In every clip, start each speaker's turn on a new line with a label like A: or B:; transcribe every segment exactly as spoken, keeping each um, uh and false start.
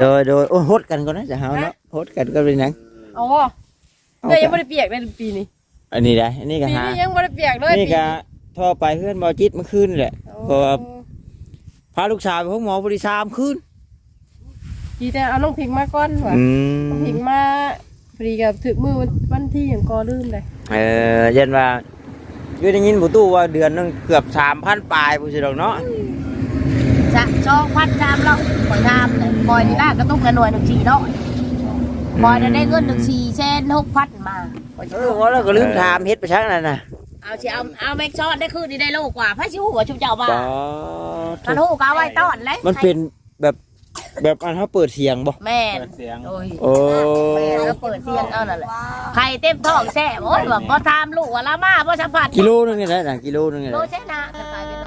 A: โดยโดยโอ้ฮดกันก่อนนะจะเฮาเนาะฮดกันก็เป็นหยัง
B: อ๋อเลยยังไม่ได้เปียกเลยปีนี้
A: อันนี้ได้อันนี้ก็
B: ปี
A: หา
B: นี้ยังไม่ได้เปียกเลย
A: นี่ก็ท่อไปเพื่อนบอจิตเมื่อคืนแหละเพราะว่าพาลูกสาวไปพบหมอบริษัทคืน
B: ทีแต่เอาน้องพิงมาก่อนว่ะน้องพิงมาพอดีกับถึงมือวันที่อย่างกอลืมเลย
A: เออเย็นว่าคือได้ยินผู้ตู้ว่าเดือนนึงเกือบสามพันปลายผู้สิดอกเนาะ
C: จะจองพันชามเราคอยทำเลยคอยนี่น่ากระตุ้งกระหน่วยหนึ่งสี่เนาะคอยได้เงินหนึ่งสี่เช่นหกพันมา
A: เออว่าแล้วก็ลืมถามเฮ็ดไปชักนั่นน่ะ
C: เอาสิเอาเอาแม็กซ์ได้คืนนี่ได้โลกว่าพระชิวหัวชุบเจ้าบ้ามันหูกาไว้ต้อนเลย
A: มันเป็นแบบแบบอันเขาเปิดเสียงบ่
C: แม่โอ้ยโอ้แม่ก็เปิดเสียงเอานั่นแหละไข่เต็มท้องแซ่โอ้ยแบบพอทำลูกว่าละมาพอสัมผัส
A: กิโลนึงนี่แหละนะกิโลนึงนี่แหละ
C: โลใช่นะจะกลายเป็น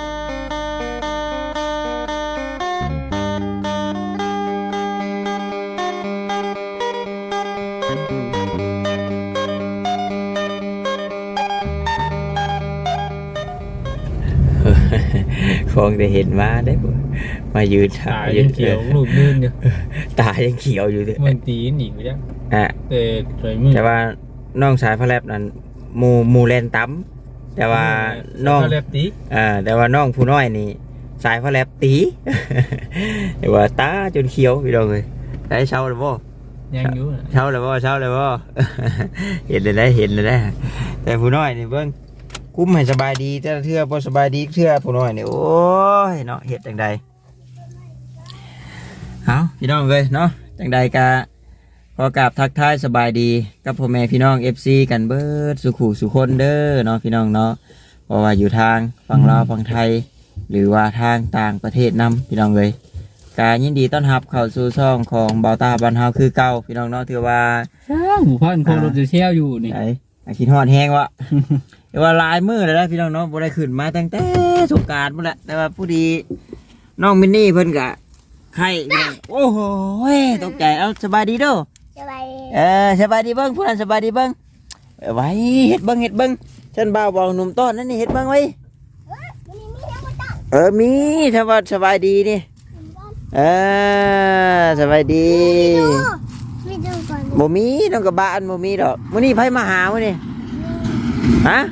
A: คงได้เห็นมาได้บ่มายืน
D: ตายังเขียวรูปลื่นอยู่
A: ตายังเขียวอยู่เลย
D: มันตีหนีไปแล้ว
A: อ่ะ
D: แต่สวยมือ
A: แต่ว่าน้องสายพระแลบนั้นหมูหมูแลนตั้มแต่ว่าน้อง
D: พระแลบตี
A: อ่าแต่ว่าน้องผู้น้อยนี่สายพระแลบตีแต่ว่าตาจนเขียวพี่น้องเลยได้เช้าเลยบ่
D: ยังอยู่
A: เช้าเลยบ่เช้าเลยบ่เห็นเลยได้เห็นเลยได้แต่ผู้น้อยนี่เบิ่งกุ้มให้สบายดีแต่เทื่อพอสบายดีเทื่อผู้น้อยนี่โอ้ยเนาะเห็ดจังใดเอาพี่น้องเลยเนาะจังใดกะขอกราบทักทายสบายดีกับพ่อแม่พี่น้อง เอฟ ซี กันเบิดสุขุสุคนเด้อเนาะพี่น้องเนาะเพราะว่าอยู่ทางฝั่งลาวฝั่งไทยหรือว่าทางต่างประเทศนำพี่น้องเลยกายินดีต้อนรับเข้าสู่ช่องของเบาตาบ้านเฮาคือเก่าพี่น้องเนาะถือว่า
D: หมู่บ้านโคโรจะเชี่ยวอยู่นี่
A: ไอ้ขี้ฮอดแห้งวะแต่ว่าลายมือเลยนะพี่น้องเนาะบ่ได้ขึ้นมาตั้งแต่สงกรานต์หมดละแต่ว่าผู้ดีน้องมินนี่เพิ่นกะไข่โอ้โหตกใจเอาสบายดีเด้อ
C: สบายดี
A: เออสบายดีเบิ้งผู้นั้นสบายดีเบิ้งไว้เฮ็ดเบิ้งเฮ็ดเบิ้งฉันบ่าวบอกหนุ่มต้อนนั่นนี่เฮ็ดเบิ้งไว้เออมีถ้าว่าสบายดีนี่เออสบายดีบ่มีน้องกับบ้านบ่มีดอกมื้อนี้ไผมาหามื้อนี้ฮะ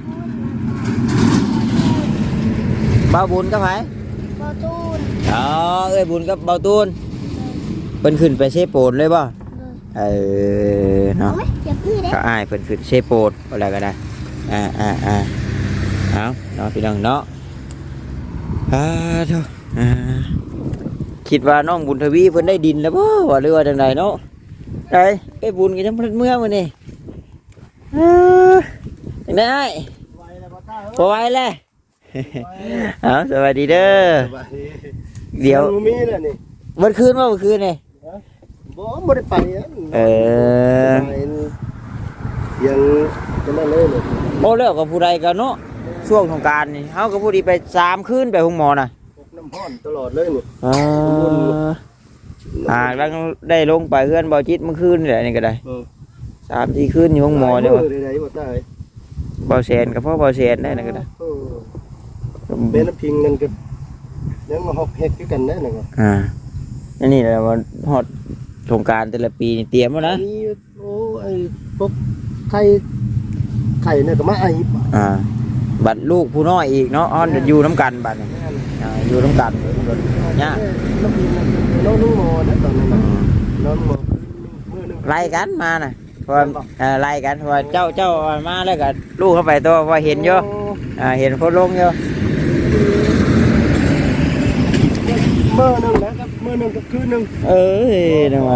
A: บ่าวบุญกับไผ
C: บ่าวตูน
A: อ๋อเอ้ยบุญกับบ่าวตูนเพิ่นขึ้นไปเชโปนเลยบ่เออเนาะก็อ้ายเพิ่นขึ้นเชโปนอะไรก็ได้อ่าอ่าอ่าเอาเนาะพี่น้องเนาะอ่าเถอะอ่าคิดว่าน้องบุญทวีเพิ่นได้ดินแล้วบ่ว่าหรือว่าจังไดเนาะได้ไปบุญกันจังเพิ่นเมื่อมื้อนี้เออจังได๋พอไหวแล้วเอาสวัสดีเด้อเดี๋ยว
E: มีแล้วนี่
A: เมื่อคืนว่าเมื่อคืนนี่
E: บ่บ่ได้ไป
A: เออ
E: ยังจะนั่นเลยเลย
A: โอ้แล้วกับผู้ใดกันเนาะช่วงสงกรานต์นี่เฮากับผู้ดีไปสามคืนไปห้องหมอน่ะ
E: น้ำร้อนตลอดเลยนี่
A: อ่าอ่าแล้วได้ลงไปเฮือนบ่จิตเมื่อคืนนี่แหละนี่ก็ได้สามสี่คืนอยู่ห้องหมอเด้อบ่แสนก็พอบ่แสนได้นั่นก็ได้
E: แม่น้ำพิงนั่นก็ยังมาฮอกเฮ็ดคือกันได้นั่นก็
A: อ่าอันนี้แหละว่าฮอดสงกรานต์แต่ละปีนี่เตรียมแล้วนะ
E: นี่โอ้ไอ้พวกไข่ไข่เนี่ยก็มาไอ้
A: อ่าบัดลูกผู้น้อยอีกเนาะอ้อนอยู่น้ำกันบัดนี่อ่าอยู่น้ำกันเนี่ย
E: น้ำพิงน้องนุ่งหมอนะตอนนั้นน้องหมอ
A: ไล่กันมาน่ะเพราะไล่กันเพราะเจ้าเจ้ามาแล้วก็ลูกเข้าไปตัวพอเห็นเยอะอ่าเห็นคนลงเยอะ
E: เมื่อนึงนะครับเมื่อนึงกับคืนนึง
A: เออนะวะ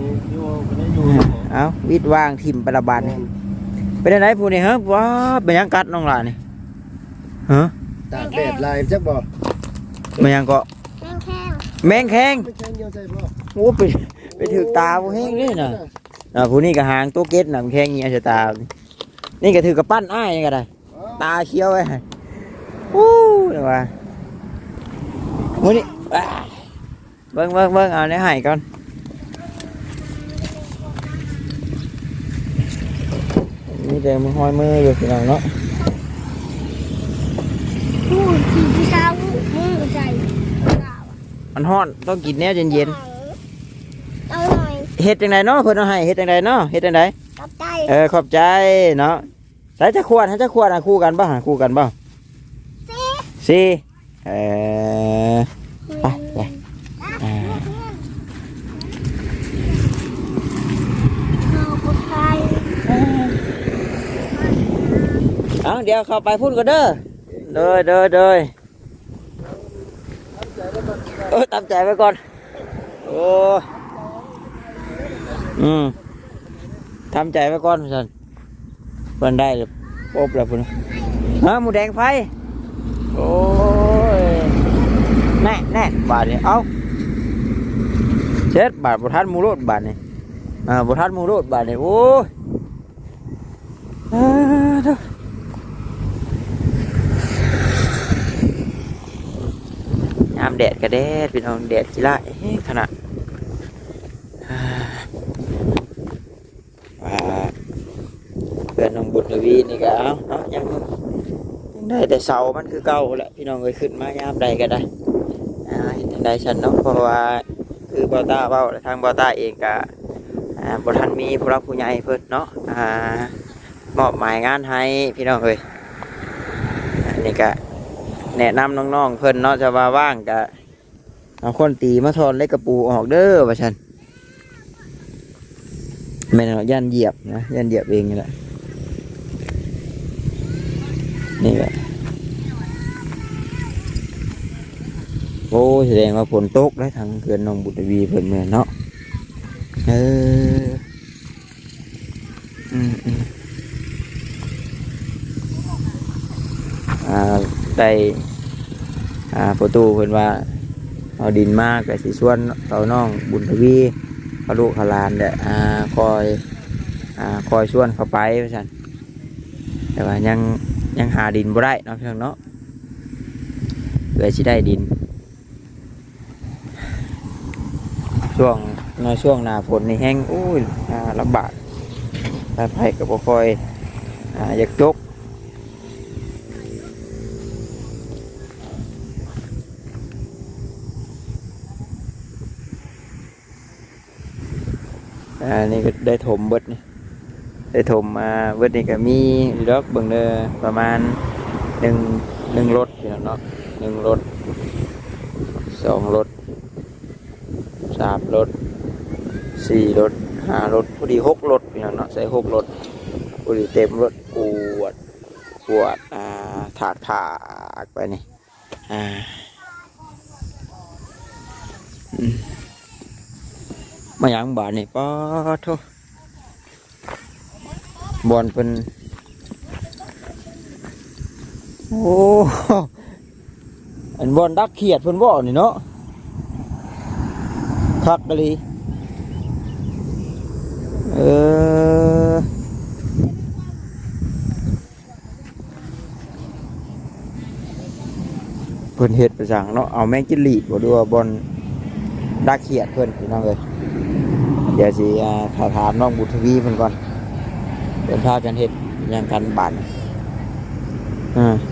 A: เอาวิดวางถิ่มประบาดนี่เป็นอะไรผู้นี่ฮะว้าเป็นยังกัดน้องหลานนี่ฮะ
E: ตากแดดลายจักบ่
A: เป็นยังก็แมงแข้งโอ้ไปไปถือตาผู้แห้งนี่น่ะอ่าผู้นี่ก็หางตัวเก็ดน่ะแข้งเงี้ยจะตานี่ก็ถือกระปั้นอ้ายนี่ก็ได้ตาเขียวไว้โอ้นะวะผู้นี่เบิ้งเบิ้งเบิ้งเอาในไห่ก่อนนี่เดี๋ยวมือห้อยมืออยู่ที่ไหนเนาะ
C: ผู้ขี่ผู้ชายมือใจ
A: มันฮ้อนต้องกินแน่เย็น
C: ๆเอา
A: เฮ็ดจังไดเนาะเพิ่นเอาให้เฮ็ดจังไดเนาะเฮ็ดจังได
C: ขอบใจ
A: เออขอบใจเนาะใส่จะขวดให้จะขวดอ่ะคู่กันบ่หาคู่กันบ่สี่เออไปไปอ่า
C: ขอบใจ
A: เอาเดี๋ยวเข้าไปพูดกันเด้อเด้อเด้อเด้อเออตามใจไว้ก่อนโอ้อืมทำใจไว้ก่อนพี่สันเพิ่นได้เลยโป๊บแล้วพุ่นฮะหมูแดงไฟโอ้ยแน่แน่บาทนี่เอาเช็ดบาทบุทันหมูโรดบาทนี่อ่าบุทันหมูโรดบาทนี่โอ้ยอ่าเด้อน้ำแดดกระเด็ดพี่น้องแดดจีละเฮ้ยขนาดว่าเพื่อนน้องบุญทวีนี่ก็เอาเนาะยังยังได้แต่เสามันคือเก่าแหละพี่น้องเคยขึ้นมายามใดก็ได้อ่าเห็นได้ฉันเนาะเพราะว่าคือบอต้าเบ้าทางบอต้าเองก็อ่าบทันมีผู้รักผู้ใหญ่เพิ่นเนาะอ่ามอบหมายงานให้พี่น้องเลยอันนี้ก็แนะนำน้องๆเพิ่นเนาะจะว่าว่างก็เอาคนตีมาทอนเล็กกระปูออกเด้อว่าฉันไม่เนาะย่านเหยียบนะย่านเหยียบเองนี่แหละนี่แหละโอ้แสดงว่าฝนตกได้ทางเขื่อนหนองบุตรวีเพิ่นแม่นเนาะเอออืมอืมอ่าได้อ่าประตูเพิ่นว่าเอาดินมากกับสีส่วนเขาน้องบุญทวีเขาลูกเขาลานเด้ออ่าคอยอ่าคอยส่วนเขาไปว่าซั่นแต่ว่ายังยังหาดินบ่ได้เนาะพี่น้องเนาะเพื่อสิได้ดินช่วงในช่วงหน้าฝนนี่แห้งอุ้ยอ่าลำบากไปไผก็บ่ค่อยอ่าอยากจกอ่านี่ก็ได้ถมเบิดนี่ได้ถมมาเบิดนี่ก็มีรถเบิ่งเด้อประมาณหนึ่งหนึ่งรถพี่น้องเนาะหนึ่งรถสองรถสามรถสี่รถห้ารถพอดีหกรถพี่น้องเนาะใส่หกรถพอดีเต็มรถปวดปวดอ่าถากถากไปนี่อ่าอืมมาอย่างบาทนี่ป้าโทบอลเป็นโอ้อันบอลดักเขียดเพิ่นบ่นี่เนาะคักกะลีเออเพิ่นเฮ็ดประจังเนาะเอาแมงจิลีดบ่ดูว่าบอลดักเขียดเพิ่นพี่น้องเอ้ยเดี๋ยวสิอ่าถ้าถามน้องบุตรทวีเพิ่นก่อนเพิ่นพากันเฮ็ดหยังกันบาดอ่า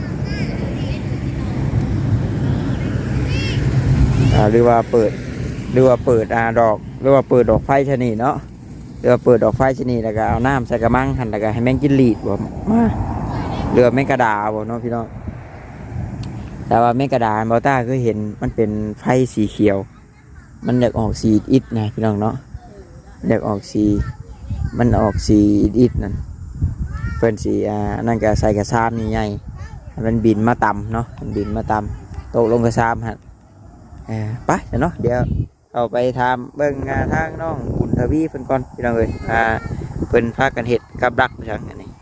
A: อ่าหรือว่าเปิดหรือว่าเปิดอ่าดอกหรือว่าเปิดดอกไฟชนิดเนาะหรือว่าเปิดดอกไฟชนิดแล้วก็เอาน้ำใส่กระมังหั่นแล้วก็ให้แมงจิลีดบ่มาหรือว่าแมงกระดาบ่เนาะพี่น้องแต่ว่าแมงกระดาบ่ต้าเคยเห็นมันเป็นไฟสีเขียวมันอยากออกสีอิดนะพี่น้องเนาะอยากออกสีมันออกสีอิดนั่นเพิ่นสีอ่านั่นก็ใส่กระซามใหญ่ๆมันบินมาต่ำเนาะมันบินมาต่ำตกลงกระซามฮะเออไปเนาะเดี๋ยวเอาไปทำเบิ่งงานทางน้องบุญทวีเพิ่นก่อนพี่น้องเอ้ยอ่าเพิ่นพากันเฮ็ดกับดักจังอันนี้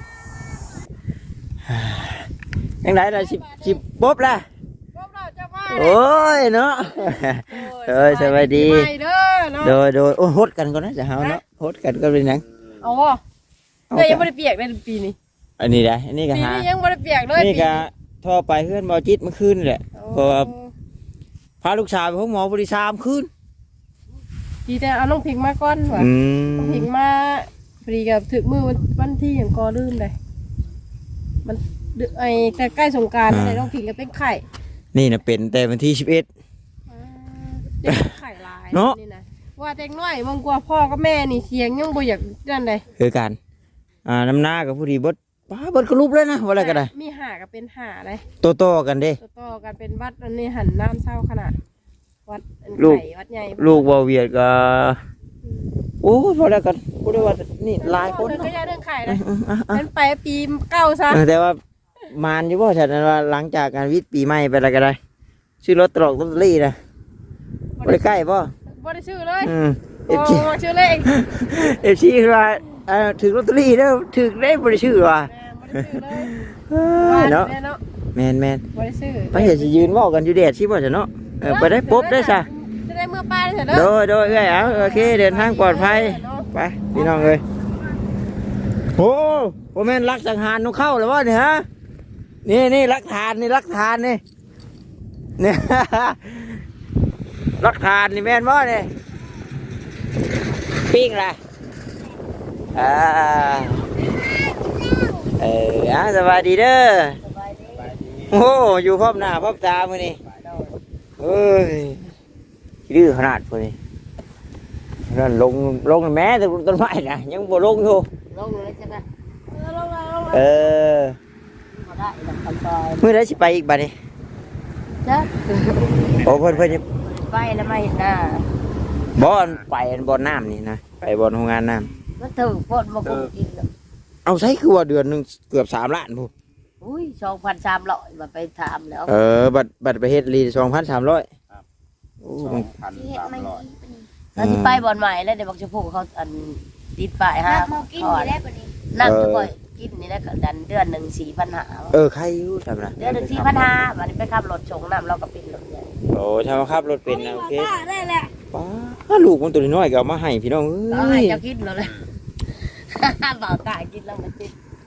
A: ยังไงล่ะสิสิปุ๊บล่ะโอ้ยเนาะเอ้ยสวัสดีโดยโดยโอ้โหดกันก่อนนะจะเฮาเนาะโหดกันก็เป็นหยัง
B: เอาวะเดี๋ยวยังไม่ได้เปียกเลยปีนี้
A: อันนี้ได้อันนี้ก็
B: ปี
A: หา
B: นี้ยังไม่ได้เปียกเลย
A: นี่ก็ท่อไปเพื่อนบอจิตเมื่อคืนแหละเพราะว่าพาลูกชายไปห้องหมอบริษัทคืน
B: ดีแต่เอาน้องพิงมาก่อนว่ะ
A: อืม
B: น้องพิงมาพอดีกับถึงมือวันที่อย่างกอลื่นเลยมันไอแต่ใกล้สงกรานต์อะไรน้องพิงก็เป็นไข่
A: นี่นะเป็นแต่วันที่สิบเอ็ด
B: เด็กไข่ลาย
A: เนาะ
B: นี่นะว่าเด็กน้อยบางกว่าพ่อกับแม่นี่เสียงยังบ่อยากนั่นเลย
A: คือกันอ่าน้ำหน้ากับผู้ดีเบดป้าเบดกระลุบเลยนะว่าอะไรก็ได้
B: มีห่าก็เป็นห่าเลย
A: โตโตๆกันเด้
B: ต่อๆกันเป็นวัดอันนี้หันน้ำเศร้าขนาดวัดอัน
A: ลูก
B: ไข่วัดใหญ่
A: ลูกบ่เวียดก็โอ้ยพอแล้วกันพูดได้ว่านี่หลายคน
B: เรื่องก็
A: เนาะ
B: ยาเรื่องไข่นะ
A: อืมๆอ่ะ
B: เป็นไปปีเก้าซะ
A: ๆเออแต่ว่ามานอยู่บ่ฉันนั้นว่าหลังจากการวิทย์ปีใหม่ไปแล้วก็ได้ชื่อรถตลกลอตเตอรี่นะบ่ได้ใกล้บ่
B: บ่ได้ชื่อเลย
A: อืมเอ
B: โอ้
A: ฟซี
B: ชื่อเลข
A: เอฟซีคือว่าเอ่อถึงลอตเตอรี่แล้วถึงได้บ่ได้ชื่อว่ะ
B: แม่บ่ได้ชื่อเลย
A: เอ้ยเนาะ
B: แม่เนาะ
A: แม่นแม่น
B: บ่ได้ชื่อ
A: ไปเห็นสิยืนเว้ากันอยู่แดดสิบ่จ้ะเนาะเออไปได้ปุ๊บได้ซะ
B: จะได้เมื่อป้าได้เสร็จ
A: โด
B: เด้อย
A: โดยเอ้ยเอาโอเคเดินทางปลอดภัยไปพี่น้องเอ้ยโอ้โหแม่นรักสังหารนกเข้าแล้ววะเนี่ยฮะนี่นี่รักฐานนี่รักฐานนี่เนี่ย รักฐานนี่แม่นบ่เนี่ยปิ้งล่ะอ่าเอออ่ะสวัสดีเด้อโอ้อยู่พร้อมหน้าพร้อมตามื้อนี้เอ้ยดื้อขนาดพุ่นนี่นั่นลงลงแม้แต่ต้นไม้นะยังบ่ลงอยู่
C: ลงเลยใช่ไหม
A: เออ
C: มาได้ดังคำซอย
A: มื้อใดสิไปอีกบัดนี้
C: จ้ะ
A: โอ้เพิ่นเพิ่นจะ
C: ไปแล้วไม่เห็นหน้า
A: บ่อนไปอันบ่อนน้ำนี่นะไปบ่อนโรงงานน้ำ
C: ก็ถือพดมาคุกิน
A: เอาใช้คือว่าเดือนหนึงเกือบสามล้านพุ่น
C: อุ้ยสองพันสามร้อยมาไปถามแล้ว
A: เออบัตรบัตรไปเฮ็ดรีสองพันสามร้อยโอ้
E: สองพันสามร้อย
C: แล้วที่ไปบ่อนใหม่แล้วเดี๋ยวบอกจะพูดเขาอันติดป้ายฮะก่อนนั่งจะบ่อยกินนี่แล้วก็ดันเดือนหนึ่งสี่พันห้า
A: เออใครอยู่ทำนะ
C: เดือนหนึ่งสี่พันห้าวันนี้ไปขับรถชงน้ำเราก็ปิดรถใหญ่
A: โอ้ทำมาขับรถเป็นนะโอเคป้าลูกมันตัวน้อยก็เอามาให้พี่น้อง
C: เรา
A: เอ้
C: ให้
A: ย
C: เจ้ากินเราเลยบ่าวตายกินแล้วมันติด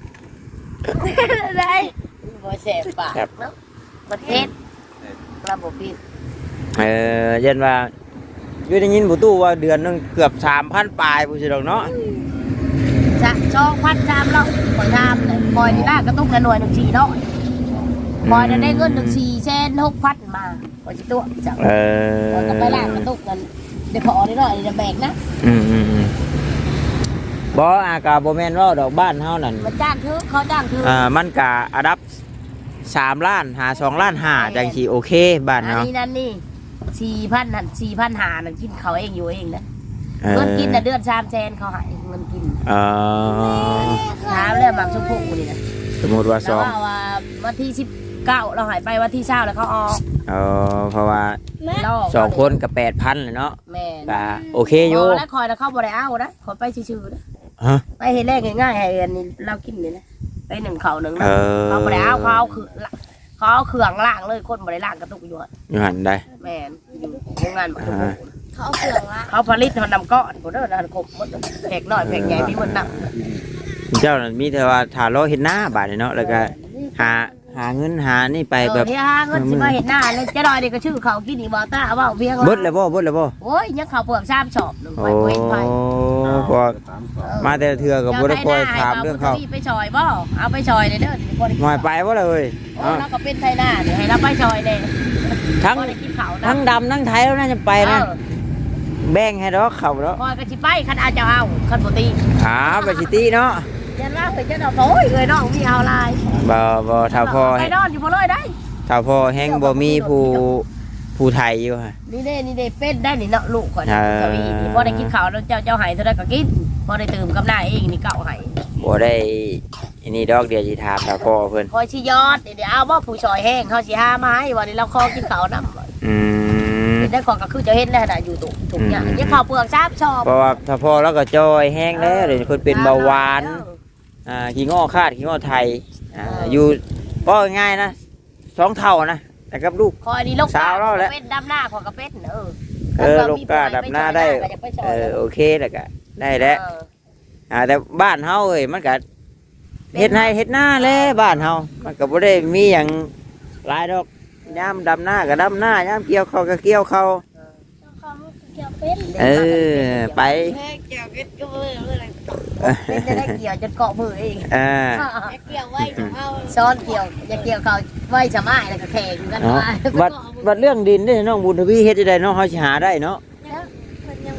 C: ได้บ่แสบปากเนาะประเทศระบบปิด
A: เออเย็นว่าอยู่ได้ยินผู้ตู้ว่าเดือนหนึงเกือบสามพันปลายผู้สิดอกเนาะ
C: จะช่องพันชามเราคอยทำเลยคอยนี่น่ากระตุ้งกระหน่วยหนึ่งสี่เนาะคอยจะได้เงินหนึ่งสี่เช่นหกพันมาคอยจิตัวจัง
A: เออ
C: คอยก็ไปล่างกระตุ้งกันเดี๋ยวพอได้หน่อยจะแบกนะ
A: อืมอืมอืมบ่อากาบ่แม่นว่าดอกบ้านเฮานั่น
C: มันจ้างคือเขาจ้างคือ
A: อ่ามันกะอัดับสามล้านหาสองล้านห้าจังสิโอเคบ้าน
C: อัน
A: เฮา
C: นี้นั่นนี่สี่พันหันสี่พันหานั่นกินเขาเองอยู่เองนะ
A: เออ
C: เงินกินแต่เดือนสามแสนเขาใหายเงินกิน
A: เออ
C: ถามแล้วหมักชมพูนี่นะ
A: สมมติว่าส
C: แล้ว
A: อง
C: ว่าว่าวันที่สิบเก้าเราหายไปวันที่เช้าแล้วเขาออก
A: เออเพราะว่า
C: เรา
A: สองคนกับแปดพันเลยเนาะ
C: แม่
A: ก็โอเคอยู่
C: พแล้วคอยแล้วเข้าบ่ได้เอานะขอไปชื่อๆนะ
A: ฮะ
C: ไปเห็นแรกง่ายๆให้อันนี้เรากินนี่นะไปหนึ่งเขาหนึ่งนะ
A: เออ
C: เขาบ่ได้เอาเขาเอาคือเขาเอาเครื่องล่างเลยคนบ่ได้ล่างกระตุกอยู่อะ
A: อยู่หันได้
C: แม่นอยู่โรงงานบ่ถูก
A: อ่า
C: เขาเอาเครื่องล่างเขาผลิตมันนำก้อนบ่เด้อนะครบหมดแผกน้อยแผกใหญ่มีหมดน่ะ
A: เจ้านั่นมีแต่ว่าถ้ารอเห็นหน้าบาดนี่เนาะแล้วก็หาหาเงินหานี่ไป
C: เอ
A: แบ
C: อบ เฮียหาเงินสิมาเห็นหน้าเลยจะดอยนี่ก็ชื่อเขากินอีบ่ตาเว้าเพียง
A: เบิดเลยบ่เบิดเลยบ่
C: โอ้ยยังเขาเปลือกซ้ำชอบหนึง
A: โอ้
C: ไปบ่เห็นไผ
A: พอมาแต่ละเทื่อก็บ่ได้คอยถามเรื่องเขา
C: จ้ไปชอยบ่เอาไปชอยเลยเด้อบ่ได้
A: หน่อยไปบ่เลย
C: โอ้เราก็เป็นไทยหน้าเดี๋ยวให้เราไปชอยเลย
A: ทั้ง
C: บ่ได้กินข้าวนะ
A: ทั้งดำทั้งไทยแล้วน่าจะไปนะ
C: เออ
A: แบ่งให้ดอกเขาแล้ว
C: คอยก็สิไปคันอาจจะเอาคันบ่ตี
A: หาไปสิตีเนาะ
C: ยันว่าเคยจะดอกโอ้ยเอ้ยน้องมีเอาลาย
A: บ่บ่ถ้าพอ
C: ไปนอนอยู่บ่เลยได้
A: ถ้าพอแห้งบ่มีผู้ผู้ไทยอยู่ฮะ
C: นี่เด้นี่เด้เป็นได้นี่เนาะลูกข่อย
A: เอ
C: นะ
A: อ
C: เจ้าอีนี่บ่ได้กินข้าวแล้วเจ้าเจ้าให้เท่าใดก็กินบ่ได้ตื่มกับหน้าเองนี่เก่าให้
A: บ่ได้อันนี้ดอกเดียวสิถามถ้าพอเพิ่น
C: คอยสิยอดเดี๋ยวเอาบ่ผู้ชอยแห้งเขาสิหามาให้วันนี้เราขอกินข้าวนำ
A: อืม
C: ได้ขอก็คือจะเห็นแล้วน่ะอยู่ตุถุงเนี่ยยังข้าวเปลือกชาบชอบ
A: เพราะว่าถ้าพอแล้วก็จอยแห้งแล้วเดี๋ยวเพิ่นเป็นเบาหวานอ่าขี้ง้อคาดขี้ง้อไทยอ่าอยู่ก็ง่ายนะสองเท่านะแต่กับลูก
C: คอยนี่ลูก
A: สาวเราแล้ว
C: เป็นดำหน้าขอกระเป็ดเออ
A: เออลูกกาดับหน้าได้เออโอเคแล้วก็ได้แล้วอ่าแต่บ้านเฮาเอ้ยมันก็เฮ็ดไร่เฮ็ดนาแลบ้านเฮามันก็บ่ได้มีหยังหลายดอกยามดำหน้าก็ดำหน้ายามเกี่ยวข้าวก็เกี่ยวข้าวเออไป
C: เกี่ยวเป็ดก็เลยเป็นจะได้เกี่ยวจนเกาะมือเอง
A: อ่า
C: เกี่ยวไว้จะเอาซ้อนเกี่ยวอย่าเกี่ยวเขาไว้จะไม่แล้วก็แข่งกัน
A: เนาะ
C: มา
A: บัดบัดเรื่องดินเด้น้องบุญทวีเฮ็ดได้เนาะเฮาสิหาได้เนาะ
C: มันยังบ่มา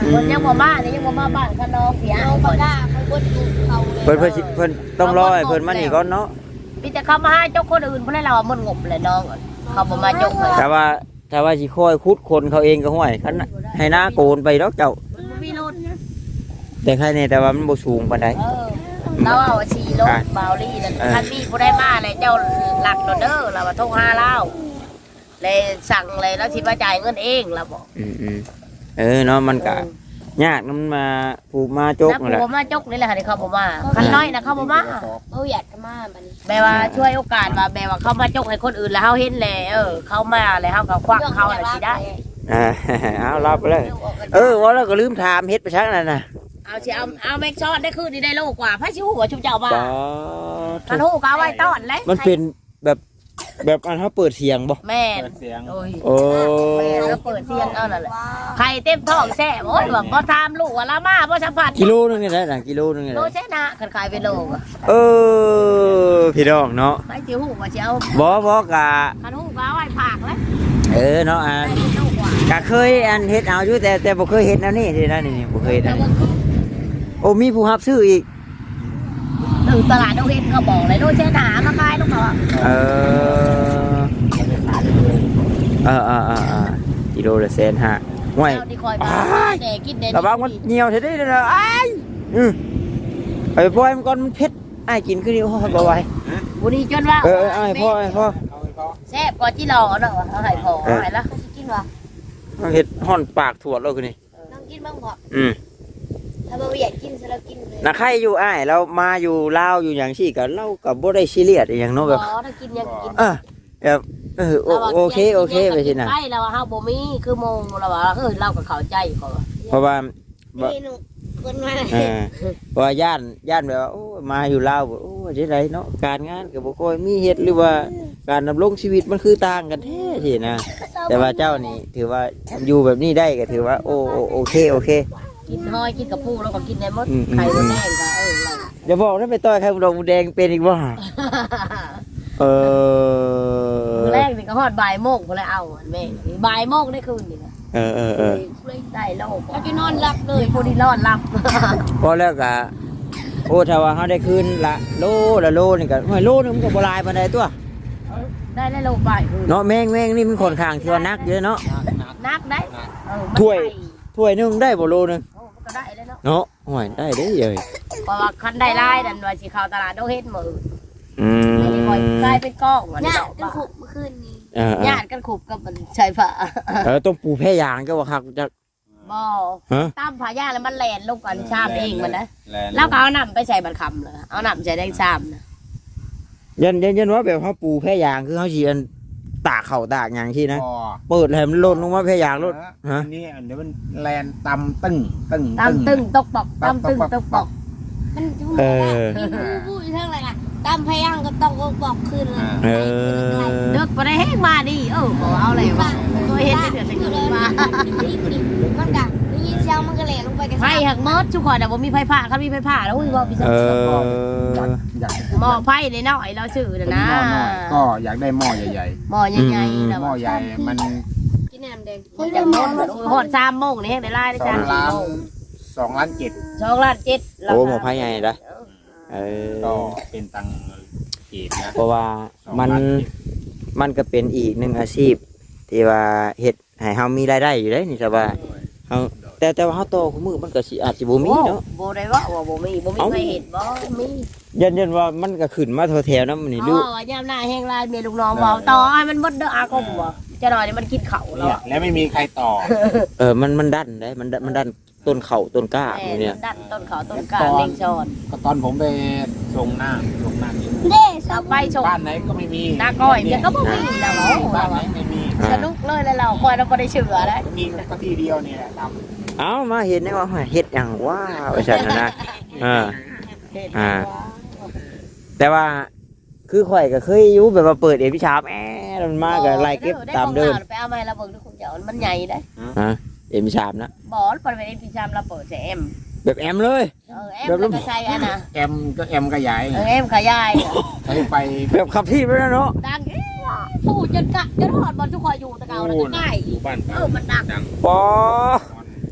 C: เพิ่นยังบ่มาเนี่ยยังบ่มาบ้านข้างนอกเสียเอาปากกาเขาเพิ่นอยู่เขาเลย
A: เพิ่นเพิ่นสิเพิ่นต้องรอให้เพิ่นมานี่ก่อนเนาะ
C: มีแต่เขามาให้เจ้าคนอื่นเพิ่นให้เรามันงบเลยน้องเขาบ่มาจกเลย
A: แต่ว่าแต่ว่าสิคอยคุดคนเขาเองก็ห่วยคันให้หน้าโกนไปดอกเจ้า
C: มันบ่มีรถ
A: แต่ใครเนี่ยแต่ว่ามันบ่สูงปานใด
C: เออเราเอาชีรถบาวลี่นั่นท่านพี่บ่ได้มาเลยเจ้าหลักเด้อเราว่าโทรหาเราเลยสั่งเลยแล้วสิมาจ่ายเงินเองเราบอก
A: อืมอืมเออเนาะมันก็ยากนำมาผูกมาจก
C: นัก
A: นั่นแหละ
C: ผัวมาจกนี่แหละค่ะที่เขาบอกว่าคันน้อยนะเขาบอกว่า
B: เอออยากจะมาบัดนี้
C: แปลว่าช่วยโอกาสว่าแปลว่าเขามาจกให้คนอื่นแล้วเขาเห็นแล้วเออเขามาแล้วเขาก็ควักเขาอะไรสิได้
A: อ่า เอารับไปเลยเออว่าแล้วก็ลืมถามเฮ็ดไปชักนั่นน่ะ
C: เอาสิเอาเอาแม็กซอดได้คืนนี่ได้โลกว่าพระชิวหัวชุบเจ้ามา
A: ปอ
C: พันหูก็เอาไว้ต้อนเลย
A: มันเป็นแบบแบบอันเขาเปิดเสียงบ่
C: แม่น
D: เปิดเสียง
C: โอ้ย
A: โอ้
C: แม่นแล้วเปิดเสียงเอานั่นแหละใครเต็มท้องแซ่บโอ้ยแบบบ่ทามลูกว่าละมาบ่สัมผัส
A: กิโลนึงนี่แหละน่ะกิโลนึงนี่แห
C: โล
A: ละ
C: แช่นะคันขายเป็นโลอะ
A: เออพี่น้องเนาะ
C: ไปชิวหัวสิเอา
A: บ่บ่กะ
C: พันหูก็เอาไว้ผากเลย
A: เออเนาะอ่ะ
C: ได้เป็นโลกว่า
A: ก็เคยอันเฮ็ดเอาอยู่แต่แต่บ่เคยเฮ็ดแนวนี้ทีนะนี่ๆบ่เคยเฮ็ดอันนี้โอ้มีผู้รับซื้ออีก
C: ถึงตลาดดงเห็ดเขาบอกเลยโลแช่นะมาขายลูกเขาอะ
A: เออเออเออเออเออกิโลละแสนห้าห่วย
C: เจ้าที่คอยมาแก่กินเด่น
A: ระวังมันเหนียวเท่านี้เลยอ้ายอือไปปล่อยมันก่อนมันเผ็ดอ้ายกินคือนี่โอ้ยบ่ไหว
C: บุรีจนว่า
A: เออเอออ้ายพ่ออ้ายพ่อ
C: แซ่บกว่าที่รอเนาะเอาให้พอเอาให้ละกินวะ
A: มันเฮ็ดห่อนปากถั่วแล้วคือนี่
C: น้องกินบ้างพอ
A: อืม
C: ถ้าบ่อยากกินซะแล้วกินเลย
A: น่ะใครอยู่อ้ายเรามาอยู่ลาวอยู่หยังซี่ก็เราก็บ่ได้ซีเรียสอีหยังเนาะแบบ
C: อ๋อถ้ากินยังกิน
A: เออแบบเออโอโอเคโอเคไปสิน่ะ
C: ใช่แล้วว่าเฮาบ่มีคือโมงแล้วว่าเออเราก็เข้าใจเขาว่า
A: เพราะว่า
C: นี่หนูคนมา
A: เออเพราะว่าย่านย่านแบบว่าโอ้มาอยู่ลาวบ่โอ้จังไดเนาะการงานก็บ่ค่อยมีเฮ็ดหรือว่าการดำรงชีวิตมันคือต่างกันแท้สินะแต่ว่าเจ้านี่ถือว่าอยู่แบบนี้ได้ก็ถือว่าโอโอโอเคโอเค
C: กินห้อยกินกับปูแล้วก็กินได้หมด
A: อืม
C: ไข่มดแดงก็เออเรา
A: อย่าบอกนะไปต่อยไข่ดอกแดงเป็นอีกบ่เออ
C: มื้อแรกนี่ก็ฮอดบ่ายโมงพุ่นแล้วเอาอันแม่บ่ายโมงได้คืนนี่นะ
A: เออเออเออ
C: ได้โลกแล้วจะนอนหลับเลยผู้ที่นอนหลับ
A: พอแล้วก็โอ้ถ้าว่าเฮาได้คืนละโลละโลนี่ก็ห้อยโลนึงมันก็บ่หลายปานใดตัว
C: ได้ได้โลบ่ายคืน
A: เนาะแมงแมงนี่มันค่อนข้างที่ว่านักเยอะเนาะ
C: นักได้เออมัน
A: ถ้วย
C: ได้
A: ถ้วยหนึงได้บ่โลนึง
C: โอ้มันก็ได้เลยเนาะ
A: เนาะห้อยได้เด้เอ้ย
C: เพราะว่าคันได้ลายนั่นว่าสิเข้าตลาดดงเฮ็ดมื้อ
A: อืม
C: ไม่ได้คอยกลายเป็นกล้องวันนี้
B: ญาติกันขุบเมื่อคืนนี้
A: เออเออ
C: ญาติกันขุบกับมันชายผ้า
A: เออต้องปูแพ้ยางก็ว่าคักจะ
C: บ่
A: ฮะ
C: ตามผายาแล้วมันแล่นลงกันชามเองมันนะ
D: แลนด์
C: แล้วก็เอาน้ำไปใส่บัตรคำเลยเอาน้ำใส่แดงชามนะ
A: ยันยันยันว่าแบบเฮาปูแพ้ยางคือเฮาสิอันตากเข้าวตากหยังซี่นะ
E: พอ
A: เปิดให้มันหล่นลงมาแพ้ยางรถฮะ
E: อันนี้อันเดี๋ยวมันแลนตำตึ้งตึ้ง
C: ตามตึงตกปอกตามตึงตกปอก
B: มันทุ่ม
A: เออ
B: มีผู้ผู้อยู่เท่าไหร่ล่ะตามพยังก็ต้องบอกคืนเลย
A: เออ
C: เด็กไปได้แห้งมาดิเออบอกเอาอะไรวะตัวเห็นเดือดเดือดมา
B: มันกะได้ยินเสียงมันก็แหลลงไปกัน
C: ไฟหักมดทุกคนแต่ผมมีไฟผ้าเขามีไฟผ้าแล้วอุ้ยว่าพี่ส
A: เอ
C: ม
A: อ
E: อยาก
C: หม้อไฟในน้อยเราซื้อนะนะ
E: หม้อน้อยก็อยากได้หม้อใหญ่
C: หม้อใหญ่ๆนะ
E: ๆหม้อใหญ่มัน
B: กินน้ำแดง
C: จากโน้นหอดสามโมงนี่แห้งได้ไล่ได้
E: สอ
C: จาง น
E: ล้านสองล้านเจ็ด
C: สองล้านเจ็ด
A: โอ้หมอพายใหญ่นะเออ
D: ก็เป็นตังค์เก็บนะ
A: เพราะว่ามันมันก็เป็นอีกหนึ่งอาชีพ ที่ว่าเฮ็ดให้เฮามีรายได้อยู่ได้นี่แต่ว่าเฮาแต่แต่ว่าเฮาโตคู่มือมันก็สิอาจสิบ่มีเนาะ
C: โบได้ว่าว่าโบมีโบมีใครเห็นบ่มี
A: ยันยันว่ามันก็ขึ้นมาแถวๆนั้นมันนี่
C: อ๋
A: ดู
C: อว่ายามหน้าแห้งลายเมียลูกน้องบอกต่อให้มันหมดเด้ออากงบ่จะหน่อยนี่มันกินเข่าแล้ว
E: เนี่ยและไม่มีใครต่อ
A: เออมันมันดันได้มันดันมันดันต้นเข่าต้นกล้า
C: แต่
A: พวกเนี่ย
C: ดันต้นเขาต้นกาเล่งชอน
E: ก็ตอนผมไปส่งหน้าส่งหน้าที่
B: เด้ส
C: ไปชม
E: บ้านไหนก็ไม่มี
C: หน้าก้อยเมียก็บ่มีแล้วเหรอ
E: บ้านไหนไม่มี
C: สนุกเลยแล้วเราคอยเราบ่ได้เชื่อได้
E: มีก็ที่เดียวเนี่ยแหละท
A: เอามาเห็นได้ว่าเฮ็ดหยังว้าวว่าซั่นน่ะนะเออ อ่า แต่ว่าคือข่อยก็เคยอยู่แบบว่าเปิดเอพิชาบแอมันมาก็ไล่เก็บตามเดิม
C: ไปเอามาให้เราเบิ่งด้วยคุณเจ้ามันใหญ่ได้
A: ฮะเอพิชาบนะ
C: บ่ปล่อยไปในพี่ชามเราเปิดแซม
A: แบบแอมเลย
C: เออแอมแล้วก็ใช้อันน่ะ
E: ำแอมก็แอมก็ใหญ่
C: เออแอมขยาย
E: ใช้ไฟ
A: แบบขับที่ไปแล้วเนาะ
C: ดังผู้จนกะจนหอดบอลทุกคนอยู่ตะเกาแล้วก็ใกล้
D: อยู่บ้าน
C: เออมันดัง
A: ปอ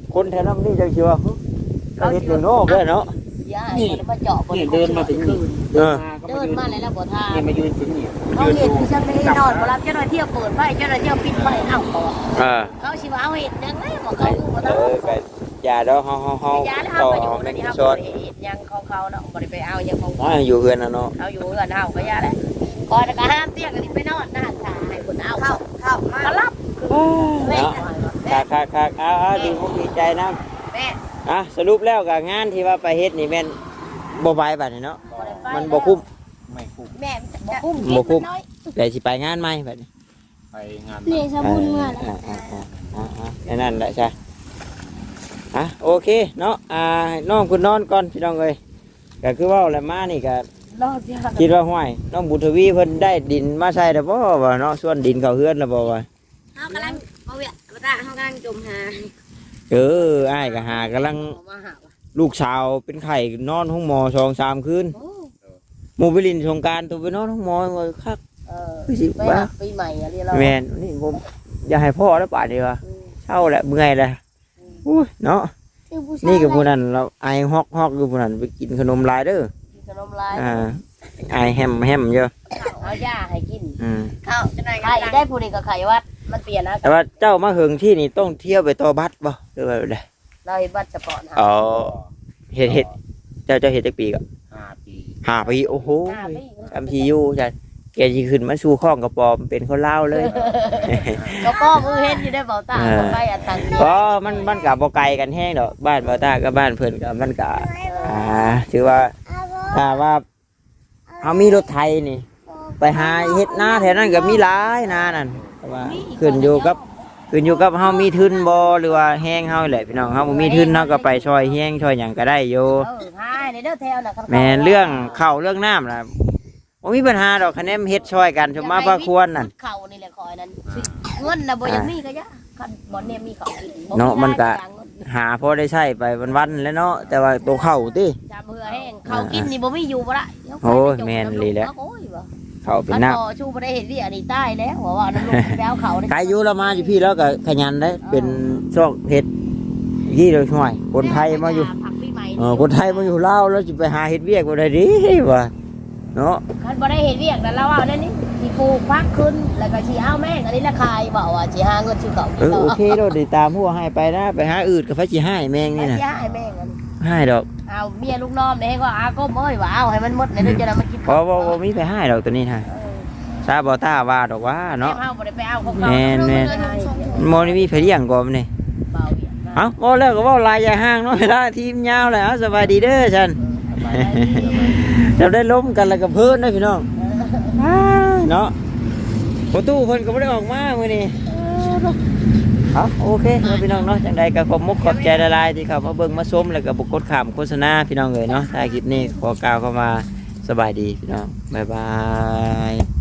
A: คนแถวนั้นนี่จังสิว่าเราเฮ็ดอยู่นอกเด้อเนาะ
C: ย่าให้มันมาเจาะบน
D: นี่เดินมาถึงนี่
A: เออ
C: เดินมาแล้วแล้วบ่ทา
D: นี่มายืนถึงนี่
C: เขาเห็นฉันไม่ได้นอนบ่รับเจ้าหน้าที่เปิดไฟเจ้าหน้าที่ปิดไฟเอ้าเขา
A: เออ
C: เขาสิว่าเอาเห็ดยังไงบ่เขาบ่
A: เอ
C: ต้อง
A: อก็อย่าดอกเฮาเฮาเฮา
C: ไปยาแล้ว
A: ต่
C: เฮา
A: อ
C: ก็อยู่
A: แม่
C: ใน
A: น
C: นี้เฮา
A: ซอ
C: บ่
A: ด
C: ได้เฮ็ดหยังของเขาเนาะบ่ได้ไปเอาหยังของ
A: อ่าอยู่เฮือนน่ะเนาะ
C: เอาอยู่เฮือนเฮาก็ยาแล้วก่อนก็ห้ามเตี้ยก็นี่ไปนอนนะตาให้คนเอาเข้าเข้ามารับแม่
A: เนาะคักๆๆเอาๆดีมุกดีใจนํ
C: แม่
A: อ่ะสรุปแล้วก็งานที่ว่าไปเฮ็ดนี่แม่นบ่บายบัดนี้เนาะ
C: บ่ได้ไป
A: มันบ่คุ้ม
D: ไม่คุ้ม
C: แม่บ่คุ้ม
A: บ่คุ้ม
C: น้อย
A: แต่สิไปงานใหม่บัดนี้
D: ไปงาน
F: นี่สมุนเมื่อ
A: อ่าอ่าอ่าอ่าอ่าแค่นั้นแหละใช่อ่ะโอเคเนาะอ่าให้น้องคุณนอนก่อนพี่น้องเอ้ยก็คือว่าแล้วมานี่ก็
C: รอบเดียว
A: คิดว่าห้วยน้องบุญทวีเพิ่นได้ดินมาใส่แล้วบ่ว่าเนาะส่วนดินเขาเฮือนแล้วบ่ว่า
F: เขากำลังเอาเวียมาตาเขากำลังจมหา
A: เอออ้ายก็หากำลัง
C: มาหาว่ะ
A: ลูกสาวเป็นไข้นอนห้องหมอสองสามคืน
C: โอ้
A: หมู่ไปลินสงกรารตัวไปนอนห้องหมอว่าคัก
C: เออ
A: คือสิ
C: ไป
A: ว่า
C: หาปีใหม่อะไรเรา
A: แม่นนี่ผมอย่าให้พ่อแล้วป่านนี้ว่า
C: อืม
A: เช่าแหละเมื่อยแล้วอุ้ยเนาะ
F: คือผู้ชาย
A: นี่กับผู้นั้นเราไอฮอกฮอกอยู่ผู้นั้นไปกินขนมหลายเด้อ
C: กินขนมลาย
A: อ่าไอแฮมแฮมเยอะ
C: เอาย่าให้กิน
A: อืม
F: เข้าจะหน่อย
C: ไข่ได้ผู้นี้ก็ไข่วัดมันเปลี่ยนนะ
A: แต่ว่าเจ้ามาเหิงที่นี่ต้องเที่ยวไปต่อบัสบ่หรือว่าได
C: เราเห็นบัตรเฉพาะนะ
A: อ๋อเฮ็ดเฮ็ดเจ้าเจ้าเฮ็ดจักปีก็
D: ห้าปี
A: ห้าปีโอ้โห
C: ห้าปี
A: จำพีอยู่จ้ะแกสิขึ้นมาสู่ข้องกระปอมเป็นคนลาวเลย
C: ก็ป้อมือเห็นอยู่ได้เบาตาบ่ไปอันตัง
A: เพราะมันมันก็บ่ไกลกันแฮงดอกบ้านบ่าวตากับบ้านเพิ่นก็มันก็อ่าถือว่าถ้าว่าเฮามีรถไถนี่ ไปหาเฮ็ดนาแถวนั้นก็มีหลายนานั่นแต่ว่าขึ้นอยู่กับขึ้นอยู่กับเฮามีทุนบ่หรือว่าแห้งเฮาแหละพี่น้องเฮาบ่มีทุนเฮาก็ไปช่วยแห้งช่วยหยังก็ได้อยู่
C: เออหายในเด้อแถวน่ะ
A: แม่นเรื่องข้าวเรื่องน้ำล่ะบ่มีปัญหาดอกคะแนนเฮ็ดช่วยกันสมมาพระควรนั่น
C: เขานี่แหละคอยนั้นเงินน่ะบ่ยังมีก็ยะคันบ่เนี่ยมีเขากิน
A: เนาะมันก็ หาพอได้ใช้ไปวันๆแล้วเนาะแต่ว่าตัวข้าวติ
C: จำเหือแห้งเขากินนี่บ่มีอยู่บ่ละ
A: โอ้ยแม่นเลยแหละ
C: โอ้ยบ่
A: ข้าวเป็น
C: มัน
A: น้ำ
C: ต่อชูบ่ได้เห็นที่อันนี้ใต้แล้วว่าว่าน้ำลงไปเอาเขา
A: ใครอยู่เรามาอยู่พี่แล้วก็ขยันได้เป็นช่วงเฮ็ดยี่เราช่วยคนไทยมาอยู่
C: ผักปีใหม่
A: เออคนไทยมาอยู่ลาวแล้วจะไปหาเฮ็ดเวียกบ่ได้ดิว่าเนาะ
C: คันบ่ได้เห็นเรียกแต่เราเอานั่นนี่สิปลูกพักขึ้นแล้วก็สิเอาแม่งอันนี้ละคายบอกว่าสิหาเงินซื้อเขา
A: เออโอเคโดดติดตามหัวให้ไปนะไปหาอื่นกับพระจิให้แมง
C: นี่
A: นี่
C: นะ
A: นะ
C: สิหาแม่งอัน
A: ให้ดอก
C: เอาเมียลูกน้องเนี่ยก็อาก้มเอ้ยว่าเอาให้มันหมดในเดือนจะนำมากิน
A: เพราะว่าบ่มีไปให้ดอกตัวนี้นะซาบอต้าว่าดอกว่า
C: เนาะ
A: เนาะ
C: เอาบ่ได้ไปเอาของ
A: แม่นแม่น โมนี่มีไผเลี้ยงก่อนนี่
C: เบาเวียน
A: เอ้าบ่แล้วก็เว้าลายอย่าห่างเนาะเวลาทีมยาวแล้วสบายดีเด้อฉันเราได้ล้มกันแล้วก็เพิ่นนะพี่น้องเนาะประตูเพิ่นก็บ่ได้ออกมามื้อนี้เอาโอเคเนาะพี่น้องเนาะจังใดก็ขอบมุกขอบใจละลายที่เข้ามาเบิ่งมาชมแล้วก็บ่กดข้ามโฆษณาพี่น้องเอ้ยเนาะถ้าคลิปนี้ขอกล่าวเข้ามาสบายดีพี่น้องบ๊ายบาย